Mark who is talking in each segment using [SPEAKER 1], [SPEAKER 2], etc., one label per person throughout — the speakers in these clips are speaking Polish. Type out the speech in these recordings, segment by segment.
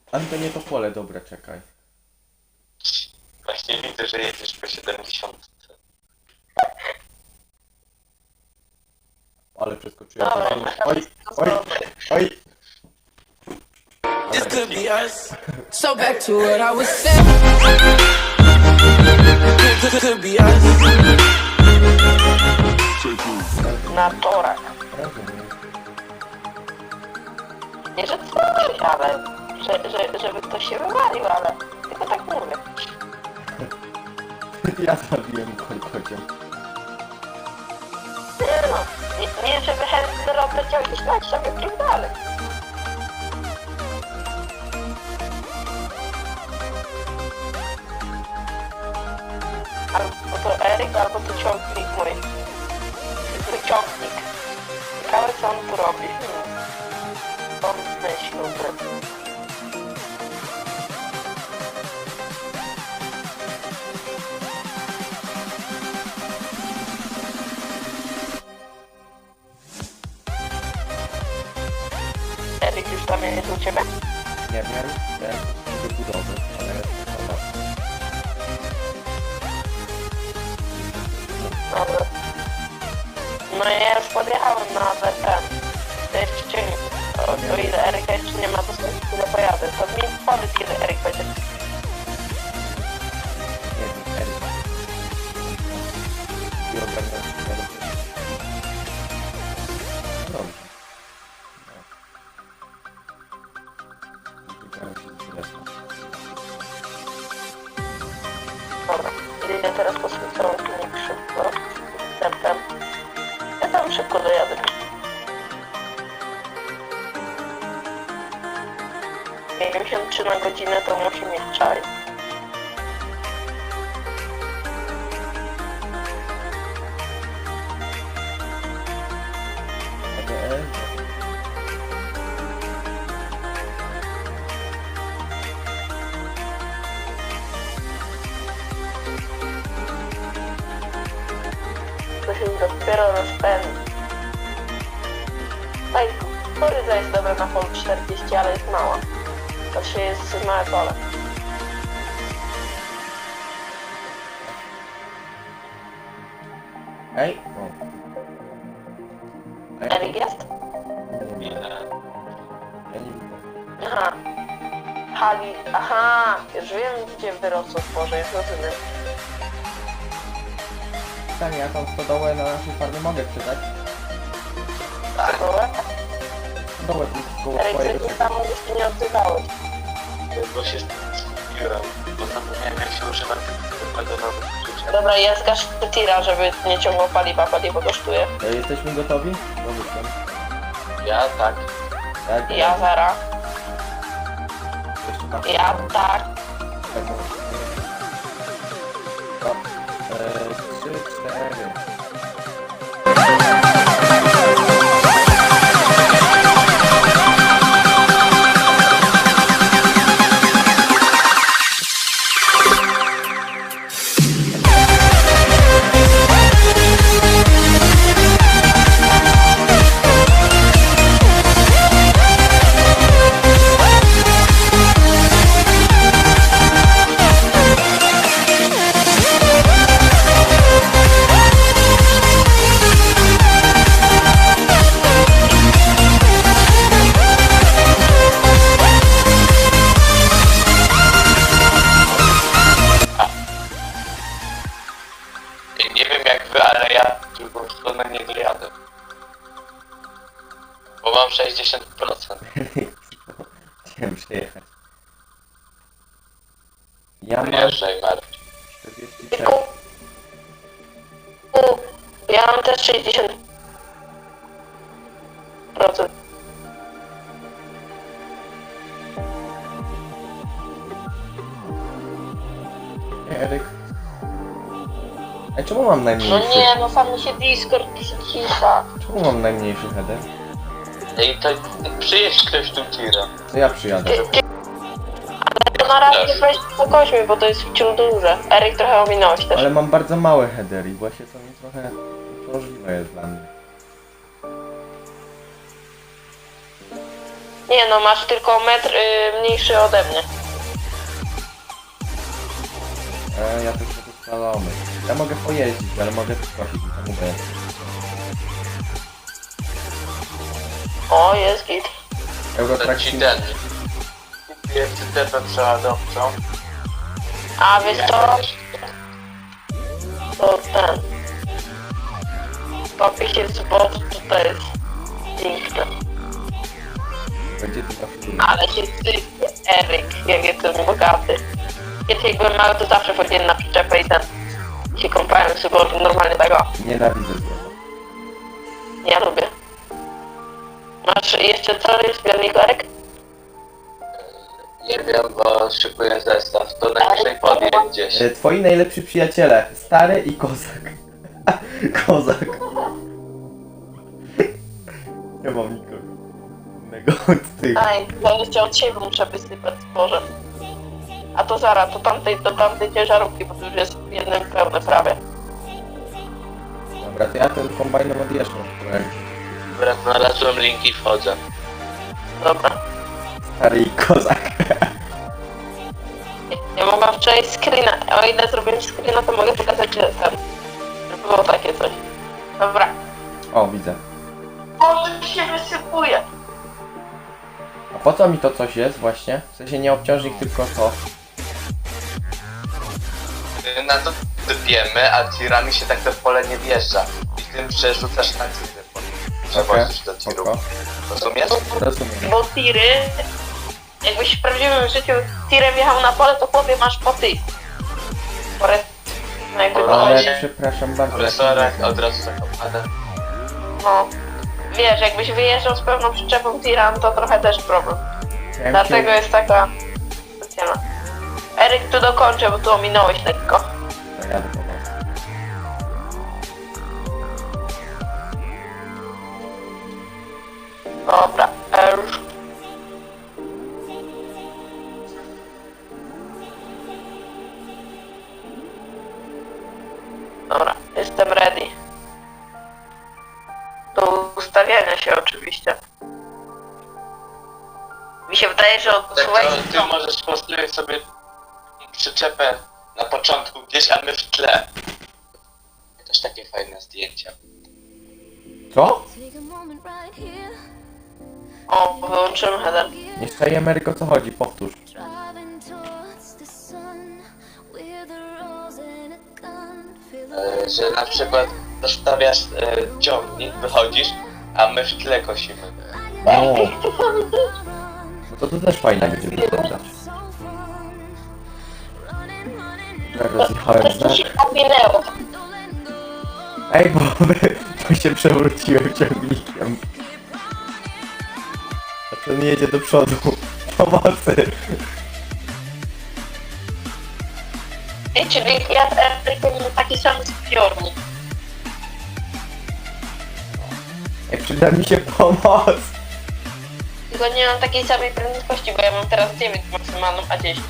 [SPEAKER 1] Ale to nie to pole, dobra, czekaj.
[SPEAKER 2] Właśnie widzę, że jedziesz po 70.
[SPEAKER 1] Ale przeskoczyłem.
[SPEAKER 3] Dobra,
[SPEAKER 1] Oj, oj, oj.
[SPEAKER 4] This could be us. So back to what I was saying. Could be us.
[SPEAKER 3] na torach.
[SPEAKER 1] Rozumiem.
[SPEAKER 3] Nie, że coś, ale żeby ktoś się wywalił, ale tylko tak mówię.
[SPEAKER 1] Ja zabiłem kolkocią.
[SPEAKER 3] Nie no, nie żeby Hender obleciał gdzieś dać sobie dalej. Albo to Eryk, albo to ciągnik mój. Ciągnik. Ciekawe co on tu robi. On myślał, że... Eryk już tam jest u ciebie?
[SPEAKER 1] Nie wiem, ja do budowy, ale dobra.
[SPEAKER 3] Dobra. No ja już podjechałem na ten. To jeszcze ciągnie. O ile Eryka jeszcze nie ma, to sobie chwilę pojadę. To mi powiedz, kiedy Eryk będzie.
[SPEAKER 1] Nie wiem, Eryk. I ogarniam się na dobrze. Dobrze. Wygrałem się z resztą.
[SPEAKER 3] Dobra. Idę teraz po swój cały klinik szybko. Wstępem. Ja tam szybko dojadę. Jak 53 na godzinę to musi mieć czaj.
[SPEAKER 1] ADL.
[SPEAKER 3] To się dopiero rozpędzi. Ej, kukurydza jest dobra na polu 40, ale jest mała. To się jest małe pole.
[SPEAKER 1] Ej, o. Ej,
[SPEAKER 3] Eryk jest?
[SPEAKER 1] nie, nie.
[SPEAKER 2] Nie.
[SPEAKER 1] Ja nie widzę.
[SPEAKER 3] Aha. Hali, aha, już wiem gdzie wyrosło zboże, już rozumiem.
[SPEAKER 1] Pytanie, ja tą stodołę na naszej farmie mogę sprzedać?
[SPEAKER 3] Dobra.
[SPEAKER 1] Stodołę tu koło
[SPEAKER 3] Eryk,
[SPEAKER 1] twojego
[SPEAKER 3] ty tam już się nie odzywałeś.
[SPEAKER 2] Bo się skupiłem, bo zapomniałem jak się używa tego na
[SPEAKER 3] Dobra, ja zgaszę tira, żeby nie ciągnął paliwo kosztuje.
[SPEAKER 1] Jesteśmy gotowi? No wyszłem.
[SPEAKER 2] Ja tak.
[SPEAKER 1] Tak,
[SPEAKER 3] Ja zara.
[SPEAKER 1] jeszcze tam.
[SPEAKER 3] Ja tak.
[SPEAKER 1] To, 3, 4.
[SPEAKER 2] Nie wiem jak wy, ale ja w drugą stronę nie dojadę. Bo mam 60%.
[SPEAKER 1] Chciałem przejechać. Ja mam
[SPEAKER 2] Wyjeżdżaj Marcin.
[SPEAKER 1] 46.
[SPEAKER 3] Tylko... Ja mam też 60%.
[SPEAKER 1] Eryk. Ej, czemu mam
[SPEAKER 3] No
[SPEAKER 1] najmniejszy?
[SPEAKER 3] nie, no sam mi się Discord cisza.
[SPEAKER 1] Czemu mam najmniejszy header?
[SPEAKER 2] Ej, to przyjedź ktoś tu tira.
[SPEAKER 1] To ja przyjadę.
[SPEAKER 3] To na razie weź spokojnie, bo to jest wciąż duże. Eryk trochę ominąłeś też.
[SPEAKER 1] Ale mam bardzo małe headery i właśnie to mi trochę uciążliwe jest dla mnie.
[SPEAKER 3] Nie no, masz tylko metr mniejszy ode mnie.
[SPEAKER 1] Ja też będę szalony. Ja mogę pojeździć, ale mogę skoczyć, to mówię.
[SPEAKER 3] O, jest git.
[SPEAKER 1] Eurotrack
[SPEAKER 2] To ci
[SPEAKER 1] Sim-
[SPEAKER 2] ten. Kupiłem cytepę przeładowczą.
[SPEAKER 3] A wiesz co? To ten. Papie się zboczy, to jest piękne.
[SPEAKER 1] będzie tu zawsze.
[SPEAKER 3] Ale się sypie Eryk, jak jestem bogaty. Kiedyś jak byłem mały, to zawsze chodziłem na przyczepę i ten się kąpałem w sobą normalnie tego.
[SPEAKER 1] Nienawidzę złota.
[SPEAKER 3] Ja lubię. Masz jeszcze co jest zbiornik Eryk?
[SPEAKER 2] Nie wiem, bo szykuję zestaw. To najwyżej podjem gdzieś.
[SPEAKER 1] Twoi najlepsi przyjaciele, stary i kozak. Kozak. Nie mam nikogo innego od tych.
[SPEAKER 3] Aj, ja jeszcze od siebie muszę wysypać zboże. A to zaraz, do tamtej ciężarówki, bo to już jest jednym pełne prawie.
[SPEAKER 1] Dobra, to ja tym kombajnem odjeżdżam.
[SPEAKER 2] Dobra, znalazłem link i wchodzę.
[SPEAKER 3] Dobra.
[SPEAKER 1] Stary i kozak.
[SPEAKER 3] Ja mogłam wczoraj screena, o ile zrobiłem screena, to mogę pokazać, że ten. Że było takie coś. Dobra.
[SPEAKER 1] O, widzę.
[SPEAKER 3] O, to się wysypuje.
[SPEAKER 1] A po co mi to coś jest właśnie? W sensie nie obciążnik, tylko to.
[SPEAKER 2] Na to sypiemy, a tirami się tak to w pole nie wjeżdża. I tym przerzucasz na tiry. Przewozisz do tirów.
[SPEAKER 1] spoko.
[SPEAKER 2] Rozumiesz?
[SPEAKER 1] Rozumiem.
[SPEAKER 3] Bo tiry, jakbyś w prawdziwym życiu tirem jechał na pole, to chłopie masz po ty. No jakby to
[SPEAKER 1] Ale
[SPEAKER 3] chodzi.
[SPEAKER 1] przepraszam bardzo.
[SPEAKER 2] Profesorek od razu zakopane.
[SPEAKER 3] No. Wiesz, jakbyś wyjeżdżał z pełną przyczepą tira, no to trochę też problem.
[SPEAKER 1] Ja
[SPEAKER 3] Dlatego jest taka specjalna. Eryk, tu dokończę, bo tu ominąłeś lekko.
[SPEAKER 1] To jadę po was.
[SPEAKER 3] Dobra, już. Dobra, jestem ready. Do ustawiania się oczywiście. Mi się wydaje, że
[SPEAKER 2] Tak
[SPEAKER 3] odczuwaj...
[SPEAKER 2] to ty możesz postawić sobie przyczepę na początku gdzieś, a my w tle. Też takie fajne zdjęcia.
[SPEAKER 1] Co?
[SPEAKER 3] O, wyłączymy header.
[SPEAKER 1] Nie staje Ameryko, co chodzi? Powtórz.
[SPEAKER 2] Że na przykład zostawiasz ciągnik, wychodzisz, a my w tle kosimy.
[SPEAKER 1] No. No to też fajnie będzie wyglądać. Tak, rozjechałem znak.
[SPEAKER 3] Coś się powinęło.
[SPEAKER 1] Ej, bo się przewróciłem ciągnikiem. A ten jedzie do przodu. Pomocy.
[SPEAKER 3] Ej, czyli ja z Erykiem mam taki sam zbiornik.
[SPEAKER 1] Ej, przyda mi się pomoc.
[SPEAKER 3] Tylko nie mam takiej samej prędkości, bo ja mam teraz 9 maksymalną, a 10.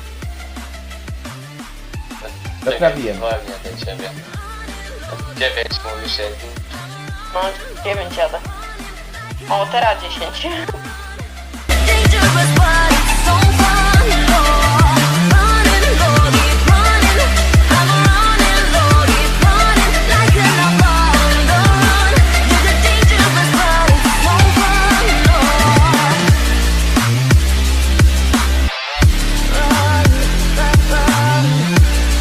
[SPEAKER 1] Naprawiłem.
[SPEAKER 2] Wolnie do ciebie. 9 mówisz, jak
[SPEAKER 3] No, 9 jadę. O, teraz 10.
[SPEAKER 5] Dangerous, but it's so fun. Running low, keep running. I'm running low, keep running. Like an abandon. You're the dangerous, but it's so fun. Run, run, run.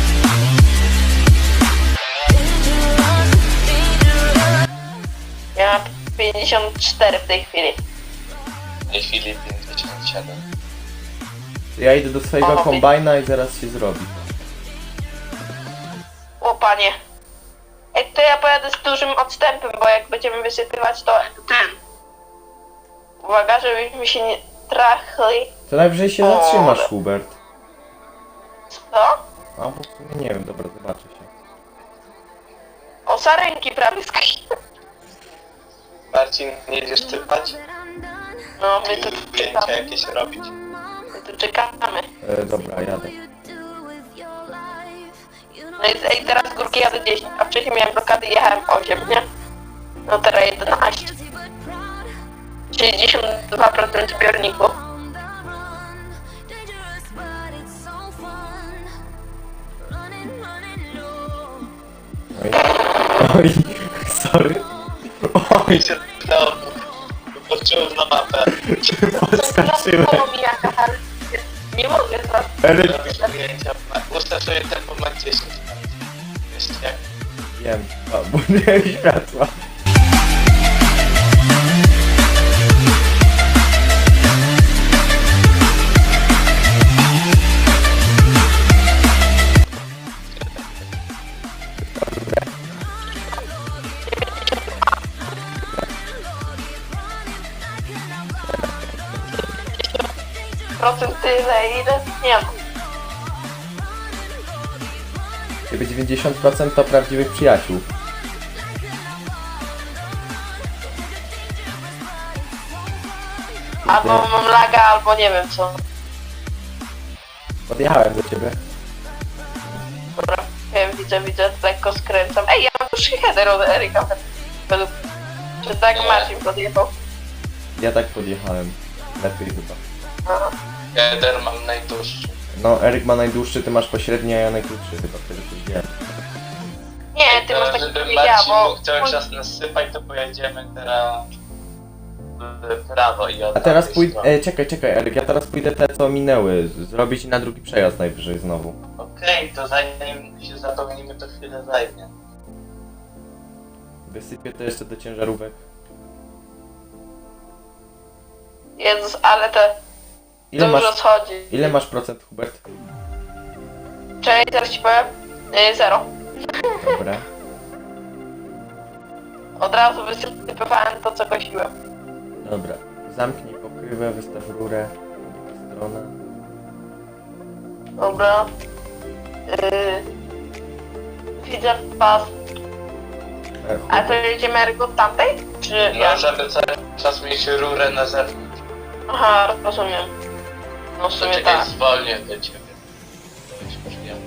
[SPEAKER 5] Dangerous, dangerous.
[SPEAKER 3] Ja mam 54 w tej chwili.
[SPEAKER 2] w tej chwili 57.
[SPEAKER 1] Ja idę do swojego
[SPEAKER 3] O,
[SPEAKER 1] kombajna i zaraz się zrobi.
[SPEAKER 3] O panie. Ej, to ja pojadę z dużym odstępem, bo jak będziemy wysypywać, to ten. Uwaga, żebyśmy się nie trachli.
[SPEAKER 1] To najwyżej się
[SPEAKER 3] O,
[SPEAKER 1] zatrzymasz,
[SPEAKER 3] ale-
[SPEAKER 1] Hubert.
[SPEAKER 3] Co?
[SPEAKER 1] A, bo w sumie nie wiem, dobra, zobaczę się.
[SPEAKER 3] O, sarenki prawie skakuje.
[SPEAKER 2] Marcin, nie jedziesz sypać?
[SPEAKER 3] No, my tu
[SPEAKER 2] Zdjęcia
[SPEAKER 3] czekamy.
[SPEAKER 2] jakieś robić?
[SPEAKER 3] My tu czekamy.
[SPEAKER 1] Dobra, jadę.
[SPEAKER 3] No i ej, teraz z górki jadę 10, a wcześniej miałem blokady i jechałem 8, nie? No teraz 11. 62% zbiorników.
[SPEAKER 5] Dangerous, but it's so fun. Running, running low.
[SPEAKER 1] Oj, sorry. Oj,
[SPEAKER 2] Mi się udało, poczułem na mapę.
[SPEAKER 1] podskoczyłem.
[SPEAKER 3] Mi jaka, ale nie mogę teraz.
[SPEAKER 1] Eryk,
[SPEAKER 2] Robisz zdjęcia, ustaw sobie tempo na 10. Wiesz jak?
[SPEAKER 1] wiem, bo nie światła.
[SPEAKER 3] Procent tyle, ile? Nie wiem.
[SPEAKER 1] Jakby 90% to prawdziwych przyjaciół.
[SPEAKER 3] Albo mam laga, albo nie wiem co.
[SPEAKER 1] Podjechałem do ciebie.
[SPEAKER 3] Dobra, wiem, widzę, lekko skręcam. Ej, ja mam już header od Eryka. Według... Czy tak Marcin podjechał?
[SPEAKER 1] Ja tak podjechałem. Lepiej chyba.
[SPEAKER 3] Aha.
[SPEAKER 2] Header mam najdłuższy.
[SPEAKER 1] No, Eryk ma najdłuższy, ty masz pośredni, a ja najkrótszy chyba, wtedy coś wiem.
[SPEAKER 3] Nie, ty masz
[SPEAKER 2] Teraz,
[SPEAKER 3] taki
[SPEAKER 2] żeby
[SPEAKER 3] ja,
[SPEAKER 2] Marcin
[SPEAKER 3] bo...
[SPEAKER 2] mógł cały czas nasypać, to pojedziemy teraz w prawo i od
[SPEAKER 1] A teraz
[SPEAKER 2] tamtej
[SPEAKER 1] pójdę...
[SPEAKER 2] strony.
[SPEAKER 1] Czekaj, Eryk, ja teraz pójdę te, co minęły. Zrobić na drugi przejazd najwyżej znowu.
[SPEAKER 2] Okej, to zanim się zapełnimy, to chwilę zajmie.
[SPEAKER 1] Wysypię to jeszcze do ciężarówek.
[SPEAKER 3] Jezus, ale te
[SPEAKER 1] Ile
[SPEAKER 3] dużo
[SPEAKER 1] masz,
[SPEAKER 3] schodzi.
[SPEAKER 1] ile masz procent, Hubert?
[SPEAKER 3] Cześć, zaraz ci powiem. 0.
[SPEAKER 1] Dobra.
[SPEAKER 3] Od razu wysypywałem to, co kosiłem.
[SPEAKER 1] Dobra. Zamknij pokrywę, wystaw rurę. Strona.
[SPEAKER 3] Dobra. Widzę was. A to jedziemy Eryk od tamtej? Czy ja?
[SPEAKER 2] No, żeby cały czas mieć rurę na zewnątrz.
[SPEAKER 3] Aha, rozumiem. No w sumie
[SPEAKER 2] Czekaj,
[SPEAKER 3] tak.
[SPEAKER 2] zwolnię do ciebie. To jest możliwe.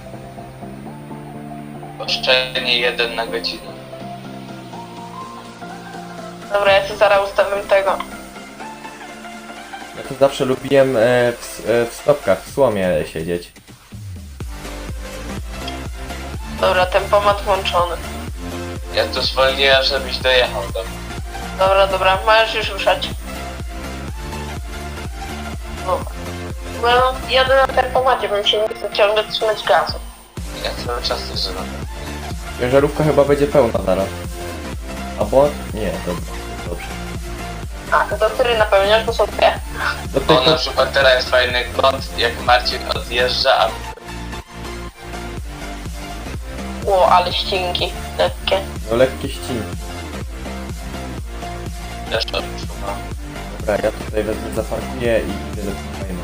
[SPEAKER 2] Oszczędnie 1 na godzinę.
[SPEAKER 3] Dobra, ja się zaraz ustawiam tego.
[SPEAKER 1] Ja to zawsze lubiłem w stopkach, w słomie siedzieć.
[SPEAKER 3] Dobra, tempomat włączony.
[SPEAKER 2] Ja to zwolniłem, żebyś dojechał do mnie.
[SPEAKER 3] Dobra, możesz już ruszać. No. No, jadę na tempomacie, bym się nie chce ciągle trzymać gazu.
[SPEAKER 2] Ja cały czas to zrobię.
[SPEAKER 1] Ciężarówka chyba będzie pełna zaraz. Albo... Nie, dobrze.
[SPEAKER 3] A, to który napełniasz, to są dwie.
[SPEAKER 1] Do
[SPEAKER 2] O, na
[SPEAKER 1] tego...
[SPEAKER 2] przykład teraz jest fajny kąt, jak Marcin odjeżdża, a
[SPEAKER 3] Ło, ale ścinki lekkie.
[SPEAKER 1] No lekkie ścinki.
[SPEAKER 2] też odczuwam.
[SPEAKER 1] Dobra, ja tutaj wezmę, zaparkuję i idę do kolejnego.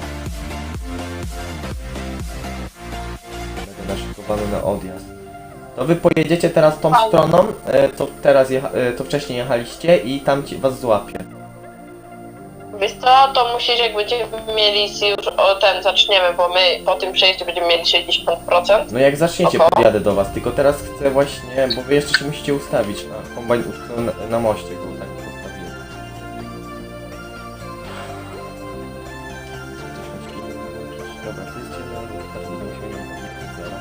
[SPEAKER 1] Będę naszykowany na odjazd. To wy pojedziecie teraz tą stroną, co teraz to wcześniej jechaliście i tam was złapie.
[SPEAKER 3] Wiesz co, to musisz, jak będziemy mieli już o ten zaczniemy, bo my po tym przejściu będziemy mieli 60%.
[SPEAKER 1] No jak zaczniecie,
[SPEAKER 3] Oho.
[SPEAKER 1] podjadę do was, tylko teraz chcę właśnie, bo wy jeszcze się musicie ustawić na kombajn utknął na moście, go tak postawiłem. Dobra, to jest ciężarówka, to będę musiał ją podjechać zaraz.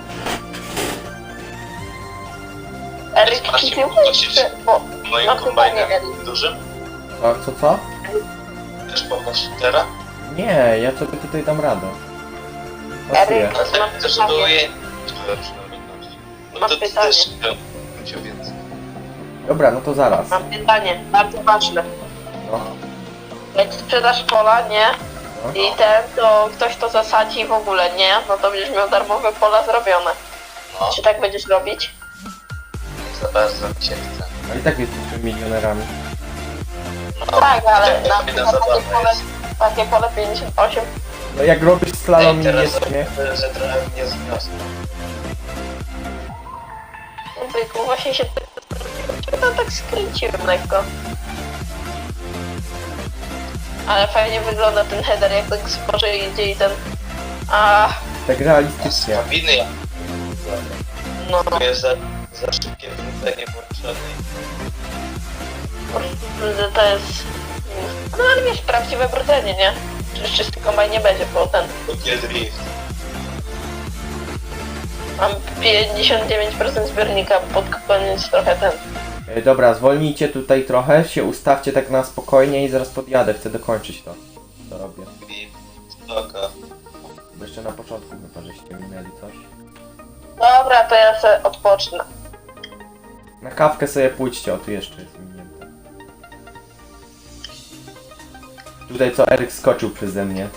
[SPEAKER 3] Eryk,
[SPEAKER 2] Macie
[SPEAKER 3] ty
[SPEAKER 2] podnosić
[SPEAKER 3] bo
[SPEAKER 2] moim
[SPEAKER 3] mam
[SPEAKER 2] kombajnem
[SPEAKER 3] pytanie, Eryk.
[SPEAKER 2] dużym?
[SPEAKER 1] Co?
[SPEAKER 2] Też pomóż teraz?
[SPEAKER 1] Nie, ja sobie tutaj dam radę. Pasuję.
[SPEAKER 3] Eryk.
[SPEAKER 2] Ale
[SPEAKER 3] Mam
[SPEAKER 2] tak też
[SPEAKER 3] pytanie.
[SPEAKER 2] było jej przynajmniej. No
[SPEAKER 3] Mam
[SPEAKER 2] to ty
[SPEAKER 3] pytanie.
[SPEAKER 2] też będzie więcej.
[SPEAKER 1] Dobra, no to zaraz.
[SPEAKER 3] Mam pytanie, bardzo ważne.
[SPEAKER 1] No,
[SPEAKER 3] Jak sprzedasz pola, nie?
[SPEAKER 1] no.
[SPEAKER 3] I to ktoś to zasadzi w ogóle, nie? No to będziesz miał darmowe pola zrobione.
[SPEAKER 2] No,
[SPEAKER 3] Czy tak będziesz robić?
[SPEAKER 2] za bardzo mi się chce.
[SPEAKER 1] A i tak jesteśmy milionerami.
[SPEAKER 2] No,
[SPEAKER 3] Tak, ale
[SPEAKER 2] tak,
[SPEAKER 3] na
[SPEAKER 2] fajna
[SPEAKER 3] przykład
[SPEAKER 2] zabawa jest.
[SPEAKER 3] takie pole 58.
[SPEAKER 1] No jak robisz slalom i
[SPEAKER 2] Ej,
[SPEAKER 1] jest
[SPEAKER 2] teraz
[SPEAKER 1] nie?
[SPEAKER 2] że trochę mnie zniosło.
[SPEAKER 3] Tylko właśnie się tak skręciłem lekko. Ale fajnie wygląda ten header, jak tak zboże idzie i ten... A,
[SPEAKER 1] Tak realistycznie.
[SPEAKER 2] Kabiny jak
[SPEAKER 3] no,
[SPEAKER 2] tu jest za szybkie wrócenie włączone.
[SPEAKER 3] to jest... No ale wiesz, prawdziwe brudzenie, nie? Przecież czysty kombajn nie będzie, bo ten...
[SPEAKER 2] Kupię drift.
[SPEAKER 3] Mam 59% zbiornika, pod koniec trochę ten...
[SPEAKER 1] Dobra, zwolnijcie tutaj trochę, się ustawcie tak na spokojnie i zaraz podjadę, chcę dokończyć to, co robię.
[SPEAKER 2] Drift. Spoko.
[SPEAKER 1] Bo jeszcze na początku chyba, żeście minęli coś.
[SPEAKER 3] Dobra, to ja sobie odpocznę.
[SPEAKER 1] Na kawkę sobie pójdźcie, o tu jeszcze jest minięte. Tutaj co Eryk skoczył przeze mnie.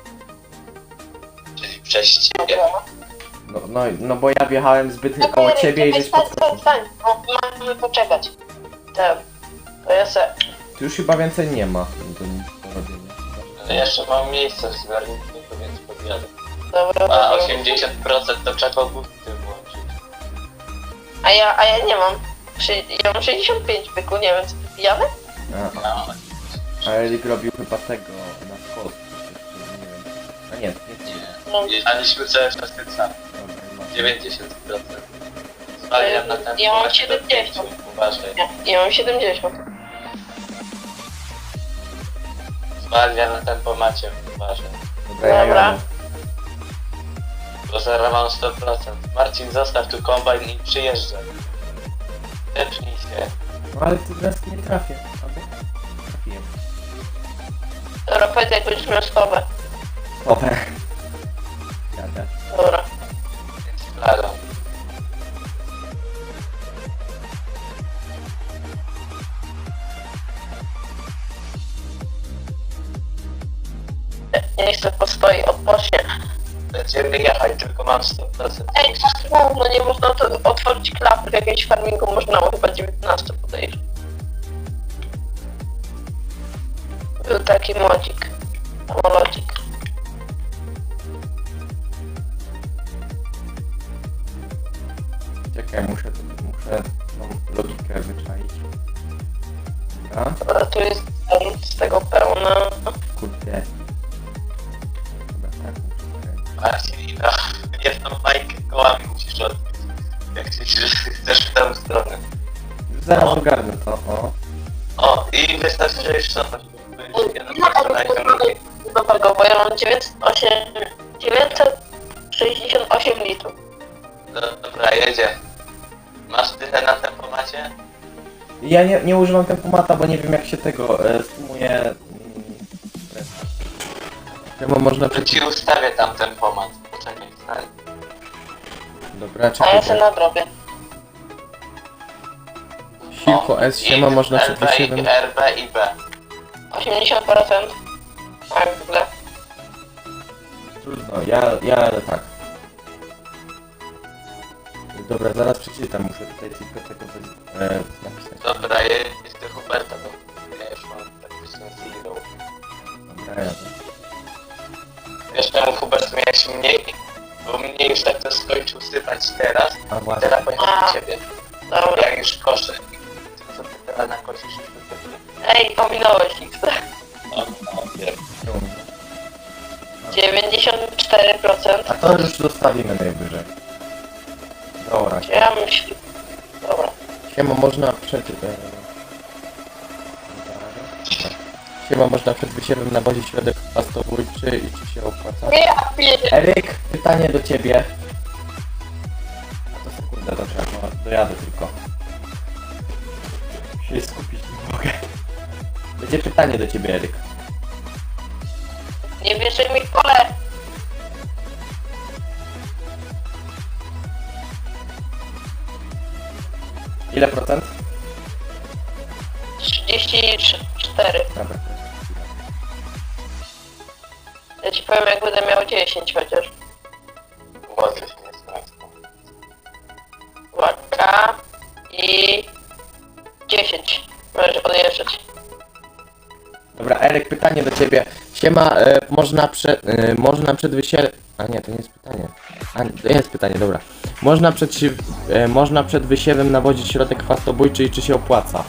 [SPEAKER 2] Czyli przez ciebie.
[SPEAKER 1] No bo ja wjechałem zbyt koło ciebie i żeś podskoczył.
[SPEAKER 3] Stań, no, mamy poczekać. To ja se...
[SPEAKER 1] Tu już chyba więcej nie ma do nic do robienia.
[SPEAKER 2] Ale jeszcze mam miejsce w zbiorniku, więc podjadę.
[SPEAKER 3] Dobra,
[SPEAKER 2] A
[SPEAKER 3] dobra.
[SPEAKER 2] 80% to trzeba bufty włączyć.
[SPEAKER 3] A ja nie mam. Ja mam 65 byku, nie wiem, co ty pijany?
[SPEAKER 2] No.
[SPEAKER 1] A Eryk robił chyba tego na skos. Nie wiem. A nie,
[SPEAKER 3] No,
[SPEAKER 2] Jechaliśmy cały czas tym samym.
[SPEAKER 1] dobra,
[SPEAKER 2] 90%. Zwalniam na ten
[SPEAKER 3] Ja mam
[SPEAKER 2] do
[SPEAKER 3] 70.
[SPEAKER 2] 5, uważaj.
[SPEAKER 3] ja mam 70.
[SPEAKER 2] Zwalniam na tempomacie, uważaj.
[SPEAKER 1] Dobra, ja
[SPEAKER 3] Dobra.
[SPEAKER 1] jadę.
[SPEAKER 2] Bo zaraz mam 100%. Marcin, zostaw tu kombajn i przyjeżdżaj. Tepnij się.
[SPEAKER 1] No ale ty teraz nie trafię. Albo trafiłem.
[SPEAKER 3] Dobra, powiedz jak będziesz miał stopę.
[SPEAKER 1] Dobra. Jadę.
[SPEAKER 3] Dobra.
[SPEAKER 2] Fladą.
[SPEAKER 3] Niech se postoi, odpocznie.
[SPEAKER 2] Będziemy jechać, tylko mam 100%.
[SPEAKER 3] Ej, no nie można to otworzyć klapy w jakimś farmingu, można było chyba 19 podejrzeć. Był taki modzik. Samolocik.
[SPEAKER 1] Czekaj, muszę tą logikę wyczaić. Dobra.
[SPEAKER 3] Dobra, tu jest z tego pełna.
[SPEAKER 1] Kurde. Dobra, tak muszę skręcić.
[SPEAKER 2] Marcin, no, jedną bajkę kołami musisz odbić. Jak chcesz w tę stronę.
[SPEAKER 1] Już zaraz ogarnę to, o.
[SPEAKER 2] O, i wystarczy, że już cofać.
[SPEAKER 3] Dobrego, bo ja mam 968 litrów.
[SPEAKER 2] Dobra, jedzie. Masz tyle na tempomacie?
[SPEAKER 1] Ja nie używam tempomata, bo nie wiem jak się tego sumuje. Chyba można
[SPEAKER 2] To ci ustawię tam tempomat. Poczekaj, stań.
[SPEAKER 1] Dobra,
[SPEAKER 3] A ja
[SPEAKER 1] czekaj.
[SPEAKER 3] se nadrobię.
[SPEAKER 1] Silko S siema, można przed
[SPEAKER 2] LB,
[SPEAKER 1] wysiewem.
[SPEAKER 2] RB i B.
[SPEAKER 3] 80%. Tak, w ogóle.
[SPEAKER 1] Trudno, ja tak. Dobra, zaraz przeczytam, muszę tutaj tylko tego napisać.
[SPEAKER 2] Dobra, jest do Huberta, bo ja już mam praktycznie zero.
[SPEAKER 1] Dobra, jadę.
[SPEAKER 2] Wiesz czemu Hubert miałeś mniej? Bo mnie już tak to skończył sypać teraz.
[SPEAKER 1] A właśnie.
[SPEAKER 2] Teraz pojechał do ciebie.
[SPEAKER 3] Dobra.
[SPEAKER 2] Jak już koszę. To co ty teraz nakosisz już do ciebie?
[SPEAKER 3] Ej, ominąłeś ich.
[SPEAKER 2] O, wiem.
[SPEAKER 3] 94%.
[SPEAKER 1] A to już zostawimy najwyżej. Dobra,
[SPEAKER 3] Ja myślę. Dobra.
[SPEAKER 1] siema, można przed... Siema, można przed wysiewem nawozić środek pastobójczy i czy się opłaca?
[SPEAKER 3] Nie, ja piję.
[SPEAKER 1] Eryk, pytanie do ciebie. A to sekundę, dobrze, no, dojadę tylko. Muszę się skupić, nie mogę. Będzie pytanie do ciebie, Eryk.
[SPEAKER 3] Nie bierze mi kole.
[SPEAKER 1] Ile procent?
[SPEAKER 3] 34.
[SPEAKER 1] Dobra.
[SPEAKER 3] Ja ci powiem jak będę miał 10 chociaż.
[SPEAKER 2] Włosy się nie stracą.
[SPEAKER 3] Uwaga. I... 10. Możesz odjeżdżać.
[SPEAKER 1] Dobra, Eryk, pytanie do ciebie. Siema, można przed wysiewem... A nie, to nie jest pytanie. A, to jest pytanie, dobra. Można przed wysiewem nawozić środek chwastobójczy i czy się opłaca?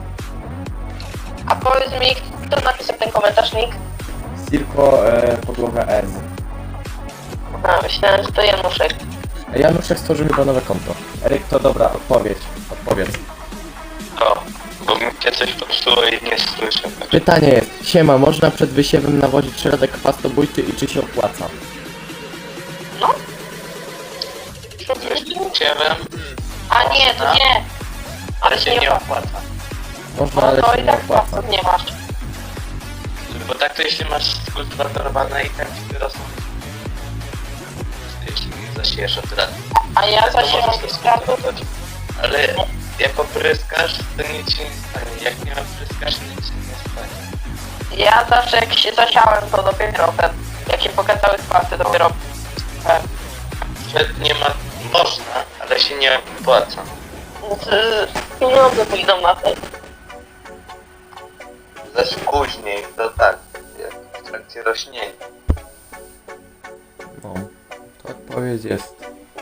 [SPEAKER 3] A powiedz mi, kto napisał ten komentarz, Nick?
[SPEAKER 1] Cirko, podłoga S.
[SPEAKER 3] A, myślałem, że to Januszek.
[SPEAKER 1] Januszek stworzył chyba nowe konto. Eryk, to dobra, odpowiedz.
[SPEAKER 2] O, bo mi cię coś popsuło i nie słyszę.
[SPEAKER 1] Pytanie jest, siema, można przed wysiewem nawozić środek chwastobójczy i czy się opłaca?
[SPEAKER 3] No.
[SPEAKER 2] Ciebem,
[SPEAKER 3] A nie, to nie.
[SPEAKER 2] ale się nie opłaca.
[SPEAKER 1] Można,
[SPEAKER 3] No
[SPEAKER 1] ale
[SPEAKER 3] to
[SPEAKER 1] się
[SPEAKER 3] i
[SPEAKER 1] nie
[SPEAKER 3] tak
[SPEAKER 1] opłaca.
[SPEAKER 3] pasów nie masz.
[SPEAKER 2] Bo tak to jeśli masz skultywatorowane i tak ci wyrosną. Jeśli nie zasiejesz od razu.
[SPEAKER 3] A ja
[SPEAKER 2] To
[SPEAKER 3] zasiewam
[SPEAKER 2] możesz to
[SPEAKER 3] kwiatów.
[SPEAKER 2] skultywować. Ale jak opryskasz, to nic się nie stanie. Jak nie opryskasz, nic się nie stanie.
[SPEAKER 3] Ja zawsze jak się zasiałem, to dopiero ten, jak się pokazały kwasy, dopiero
[SPEAKER 2] Przed nie ma, można, ale się nie opłaca.
[SPEAKER 3] pieniądze pójdą na to.
[SPEAKER 2] Zaś później, to tak, jak w trakcie rośnienia.
[SPEAKER 1] No, to odpowiedź jest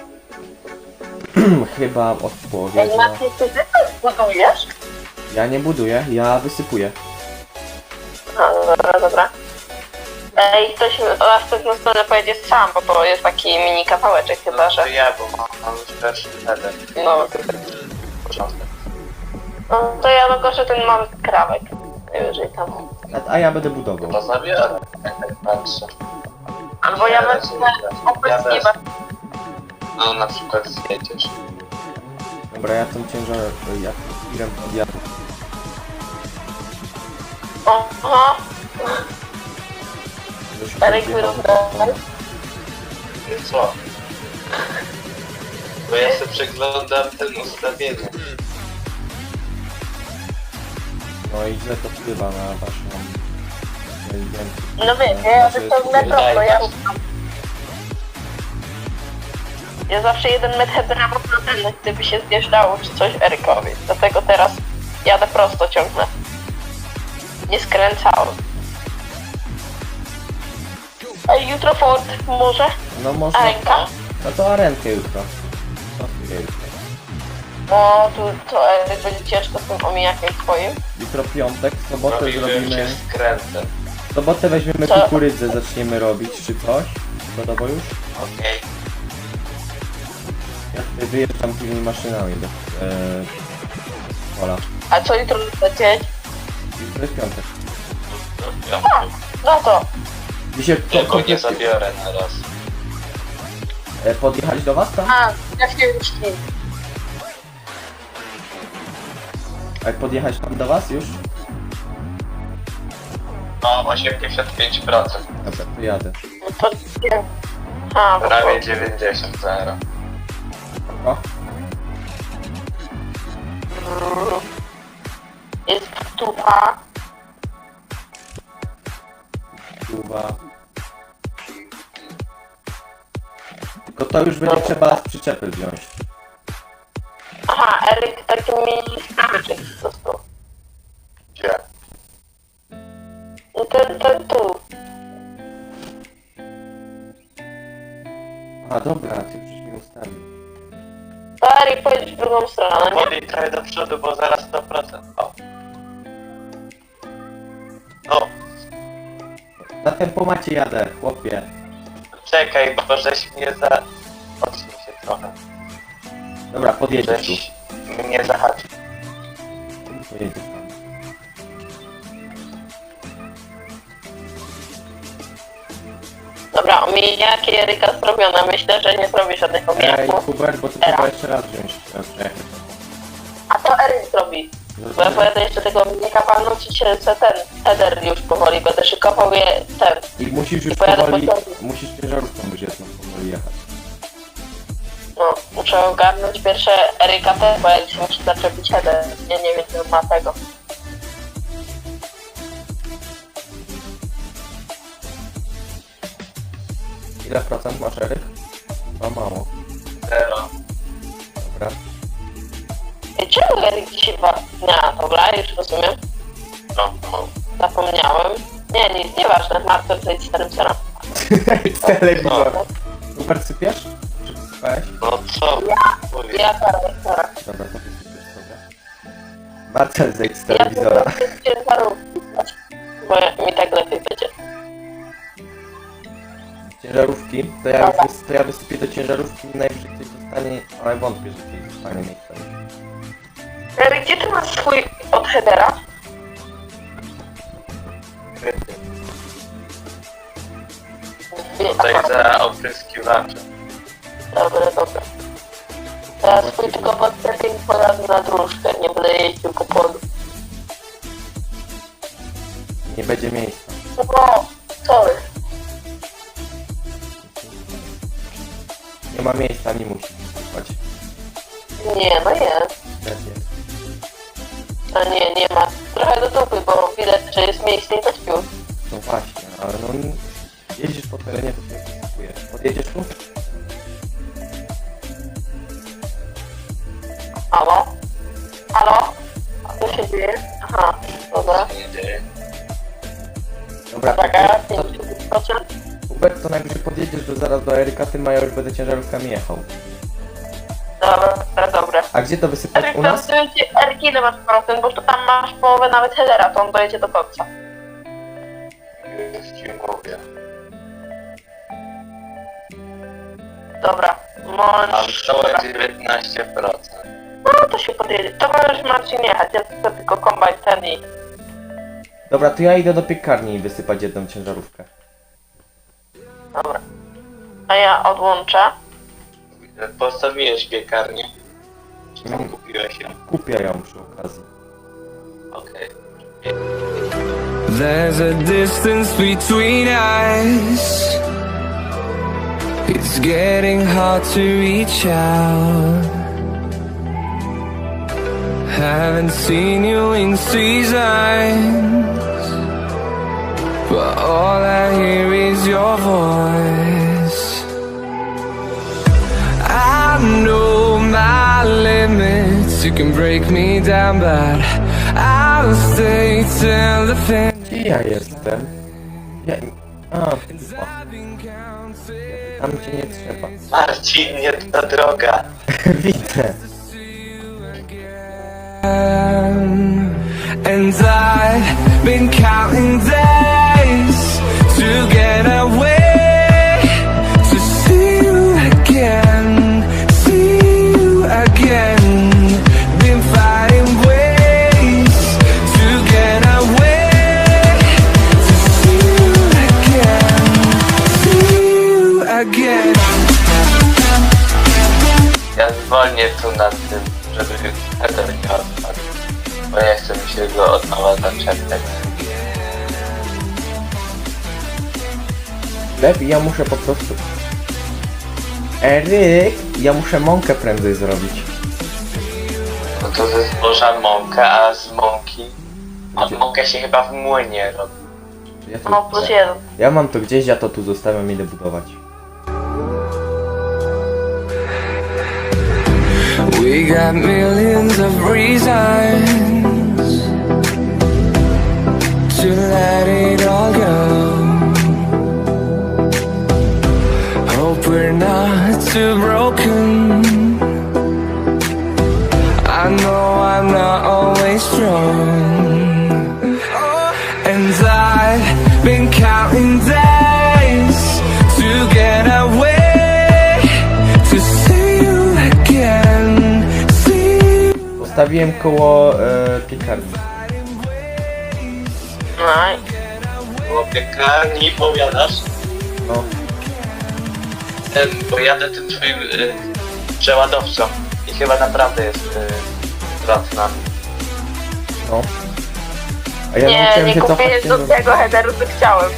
[SPEAKER 1] chyba odpowiedź na...
[SPEAKER 3] Macie, ty też budujesz?
[SPEAKER 1] Ja nie buduję, ja wysypuję.
[SPEAKER 3] No, dobra, dobra. Ej, ktoś na pewną stronę pojedzie sam, bo to jest taki mini kawałeczek chyba, że...
[SPEAKER 2] To ja, bo mam już pierwszy header.
[SPEAKER 3] No,
[SPEAKER 2] Początek.
[SPEAKER 3] no to ja dokoszę ten mały krawek. Najwyżej tam.
[SPEAKER 1] A ja będę budował.
[SPEAKER 2] To zabiorę, jak tak patrzę.
[SPEAKER 3] Albo ja
[SPEAKER 2] Ja
[SPEAKER 3] wezmę
[SPEAKER 2] wezmę.
[SPEAKER 3] opryskiwać.
[SPEAKER 2] No na przykład zjedziesz.
[SPEAKER 1] Dobra, ja tą ciężar... ja tirem podjadę.
[SPEAKER 3] Aha,
[SPEAKER 1] Żeby się
[SPEAKER 3] Eryk
[SPEAKER 1] podjechał.
[SPEAKER 3] wyrównał.
[SPEAKER 2] I co? Bo ja sobie przeglądam ten ustawienie.
[SPEAKER 1] No i źle to wpływa na waszą... inteligencję.
[SPEAKER 3] no wiesz, ja wyciągnę prosto, ja ja zawsze 1 metr headera mam na ten, gdyby się zjeżdżało czy coś Erykowi. Dlatego teraz jadę prosto, ciągnę. Nie skręcałem. Ej, jutro Ford, może?
[SPEAKER 1] No można...
[SPEAKER 3] Arenka?
[SPEAKER 1] No to arenkę jutro. Co jutro?
[SPEAKER 3] No, to Eryk będzie ciężko z tym omijakiem twoim.
[SPEAKER 1] Jutro piątek, w sobotę
[SPEAKER 2] Robiłem się
[SPEAKER 1] zrobimy...
[SPEAKER 2] skrętem.
[SPEAKER 1] W sobotę weźmiemy
[SPEAKER 3] Co?
[SPEAKER 1] kukurydzę, zaczniemy robić, czy coś. Gotowo już?
[SPEAKER 2] Okej.
[SPEAKER 1] Ja tutaj wyjeżdżam tymi maszynami do pola.
[SPEAKER 3] A co jutro lecieć?
[SPEAKER 1] Jutro jest piątek.
[SPEAKER 3] No to.
[SPEAKER 1] Dzisiaj
[SPEAKER 2] Ja go nie zabiorę na raz.
[SPEAKER 1] podjechać do was tam?
[SPEAKER 3] A, jak się już nie.
[SPEAKER 1] A jak podjechać tam do was już?
[SPEAKER 2] No, 85%.
[SPEAKER 1] Dobra, to jadę.
[SPEAKER 3] No to nie. A, bo
[SPEAKER 2] Prawie 90 0.
[SPEAKER 1] O,
[SPEAKER 3] jest tupa.
[SPEAKER 1] kurwa. Tylko to już będzie trzeba z przyczepy wziąć.
[SPEAKER 3] Aha, Eryk taki mini skraweczek dostał.
[SPEAKER 2] Gdzie?
[SPEAKER 3] No ten tu.
[SPEAKER 1] A dobra, ty już mi ustawił.
[SPEAKER 3] To Eryk pojedzie w drugą stronę, nie?
[SPEAKER 2] Podaj trochę do przodu, bo zaraz 100%. O. No,
[SPEAKER 1] Na tempomacie jadę, chłopie.
[SPEAKER 2] czekaj, bo żeś mnie za... Odsuń się trochę.
[SPEAKER 1] Dobra, podjedziesz tu.
[SPEAKER 2] Żeś mnie zahaczył.
[SPEAKER 1] Pojedziesz tam.
[SPEAKER 3] Dobra, omijaki Eryka zrobione. Myślę, że nie zrobi żadnych
[SPEAKER 1] Ej,
[SPEAKER 3] omijaków.
[SPEAKER 1] Hubert, bo to trzeba jeszcze raz wziąć. Przejechać.
[SPEAKER 3] A to Eryk zrobi. Bo ja pojadę jeszcze tego omijaka walnąć i się ten header już powoli będę szykował je ten.
[SPEAKER 1] I musisz już
[SPEAKER 3] pojadę
[SPEAKER 1] powoli,
[SPEAKER 3] pociągiem.
[SPEAKER 1] musisz ciężarówką już jedną powoli jechać.
[SPEAKER 3] No, muszę ogarnąć pierwsze Eryka też, bo ja dzisiaj muszę zaczepić header. Ja nie wiem, czy on ma tego.
[SPEAKER 1] Ile procent masz, Eryk? No mało.
[SPEAKER 2] 0.
[SPEAKER 1] Dobra.
[SPEAKER 3] I czemu Eryk dzisiaj dnia? Dobra, już rozumiem.
[SPEAKER 2] No, no.
[SPEAKER 3] Zapomniałem. Nie, nic, nieważne. Marcel zejdź starym celem.
[SPEAKER 1] Telewizor. Super sypiesz? Czy wysypałeś?
[SPEAKER 2] No co? Mówię.
[SPEAKER 3] Ja teraz.
[SPEAKER 1] Dobra, to wysypiesz sobie. Marcel zejdź z
[SPEAKER 3] Ja
[SPEAKER 1] telewizora.
[SPEAKER 3] ciężarówki, bo mi tak lepiej będzie.
[SPEAKER 1] Ciężarówki, to ja wysypię do ciężarówki, najwyżej ktoś dostanie, ale wątpię, że ktoś dostanie miejsce.
[SPEAKER 3] Eryk, gdzie ty masz swój od headera?
[SPEAKER 2] Kryty. Tutaj za opryskiwaczem.
[SPEAKER 3] Dobra, dobra. Teraz swój tylko podstępnie poradzę na dróżkę, nie będę jeździł po polu.
[SPEAKER 1] Nie będzie miejsca.
[SPEAKER 3] No, sorry.
[SPEAKER 1] Nie ma miejsca, nie musi wysypać.
[SPEAKER 3] Nie, no jest.
[SPEAKER 1] Też jest.
[SPEAKER 3] No nie ma. Trochę do dupy, bo widać, że jest miejsce i to śpił.
[SPEAKER 1] No właśnie, ale no jeździsz po terenie, to się wysypujesz. Podjedziesz tu?
[SPEAKER 3] Halo? Halo? A co się dzieje? Aha, dobra.
[SPEAKER 2] Nie dzieje.
[SPEAKER 1] Dobra,
[SPEAKER 3] Taka,
[SPEAKER 1] to
[SPEAKER 3] 50%.
[SPEAKER 1] Hubert, to najwyżej podjedziesz zaraz do Eryka, ty Maja już będę ciężarówkami jechał.
[SPEAKER 3] Dobra.
[SPEAKER 1] A gdzie to wysypać
[SPEAKER 3] Eryk,
[SPEAKER 1] u nas?
[SPEAKER 3] to Eryk, ile masz procent, bo tu tam masz połowę nawet headera, to on dojedzie do końca.
[SPEAKER 2] Już ci mówię.
[SPEAKER 3] Dobra,
[SPEAKER 2] Mam
[SPEAKER 3] możesz...
[SPEAKER 2] całe 19%.
[SPEAKER 3] No to się podjedzie. To możesz Marcin jechać, ja chcę tylko kombajn ten i...
[SPEAKER 1] Dobra, to ja idę do piekarni i wysypać jedną ciężarówkę.
[SPEAKER 3] Dobra. A ja odłączę.
[SPEAKER 2] Postawiłeś piekarnię. Czy tam kupiłeś ją?
[SPEAKER 1] Kupię ją przy okazji.
[SPEAKER 2] Okej.
[SPEAKER 4] There's a distance between us. It's getting hard to reach out. Haven't seen you in seasons, but all I hear is your voice. I know my limits. You can break me down, but I'll stay till the finish.
[SPEAKER 1] Gdzie ja jestem? A, chyba. Tam cię nie trzeba.
[SPEAKER 2] Marcin, nie ta droga.
[SPEAKER 1] Widzę.
[SPEAKER 4] And I've been counting days to get away, to see you again, see you again. Been finding ways to get away, to see you again, see you again.
[SPEAKER 2] Ja zwolnię tu nad tym, żeby header nie odpadł. Bo nie chcę mi się go od nowa zaczepiać.
[SPEAKER 1] Lepiej, ja muszę po prostu... Eryk, ja muszę mąkę prędzej zrobić.
[SPEAKER 2] No to ze zboża mąka, a z mąki... A mąkę się chyba w młynie robi.
[SPEAKER 1] Ja, to,
[SPEAKER 3] No, plus jeden.
[SPEAKER 1] ja mam to gdzieś, ja to tu zostawiam, idę budować.
[SPEAKER 4] We got millions of reasons to let it all go. Hope we're not too broken. I know I'm not always strong, and I've been counting days to get away, to see you again.
[SPEAKER 1] Postawiłem koło piekarni.
[SPEAKER 3] No i...
[SPEAKER 2] Było piekarni, powiadasz?
[SPEAKER 1] No,
[SPEAKER 2] Bo jadę tym twoim przeładowcą i chyba naprawdę jest zwrot na mnie.
[SPEAKER 1] no. A ja
[SPEAKER 3] Nie,
[SPEAKER 1] musiałem
[SPEAKER 3] nie
[SPEAKER 1] się
[SPEAKER 3] kupiłeś
[SPEAKER 1] cofać.
[SPEAKER 3] do tego headeru, co chciałem.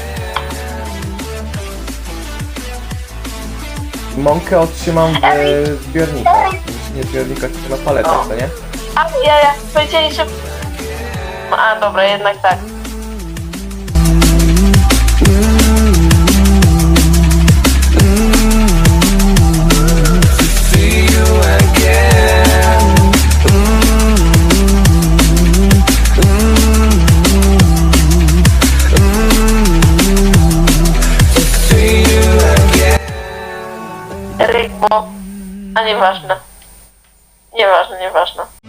[SPEAKER 1] Mąkę otrzymam w zbiornikach. Nie zbiornikach, tylko na paletach, co nie?
[SPEAKER 3] A ja powiedzieli, że... A dobra, jednak tak.
[SPEAKER 4] See you again. See you again.
[SPEAKER 3] Eryk, bo... A nieważne. Nieważne.